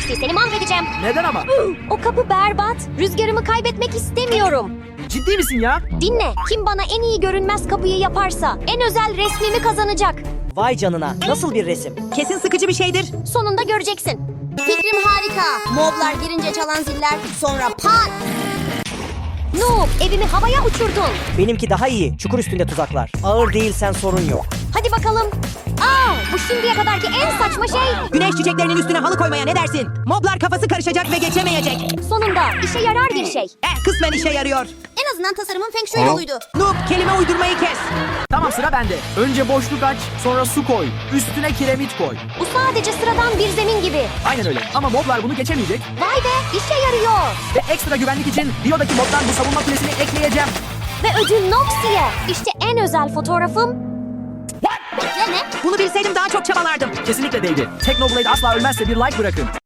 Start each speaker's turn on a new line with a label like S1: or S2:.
S1: Noxy, seni mahvedeceğim.
S2: Neden ama?
S1: O kapı berbat. Rüzgarımı kaybetmek istemiyorum.
S2: Ciddi misin ya?
S1: Dinle, kim bana en iyi görünmez kapıyı yaparsa en özel resmimi kazanacak.
S3: Vay canına, nasıl bir resim? Kesin sıkıcı bir şeydir.
S1: Sonunda göreceksin.
S4: Fikrim harika. Moblar girince çalan ziller, sonra pat.
S1: Noob, evimi havaya uçurdun.
S3: Benimki daha iyi, çukur üstünde tuzaklar. Ağır değilsen sorun yok.
S1: Hadi bakalım. Bu şimdiye kadarki en saçma şey.
S5: Güneş çiçeklerinin üstüne halı koymaya ne dersin? Moblar kafası karışacak ve geçemeyecek.
S1: Sonunda işe yarar bir şey.
S5: Kısmen işe yarıyor.
S4: En azından tasarımın feng shui yoluydu.
S5: Noob, kelime uydurmayı kes.
S2: Tamam, sıra bende. Önce boşluk aç, sonra su koy. Üstüne kiremit koy.
S1: Bu sadece sıradan bir zemin gibi.
S2: Aynen öyle. Ama moblar bunu geçemeyecek.
S1: Vay be, işe yarıyor.
S2: Ve ekstra güvenlik için Rio'daki moddan bu savunma kulesini ekleyeceğim.
S1: Ve ödül Noxy'ye. İşte en özel fotoğrafım.
S4: Bekle ne?
S5: Bunu bilseydim daha çok çabalardım.
S2: Kesinlikle değdi. Technoblade asla ölmezse bir like bırakın.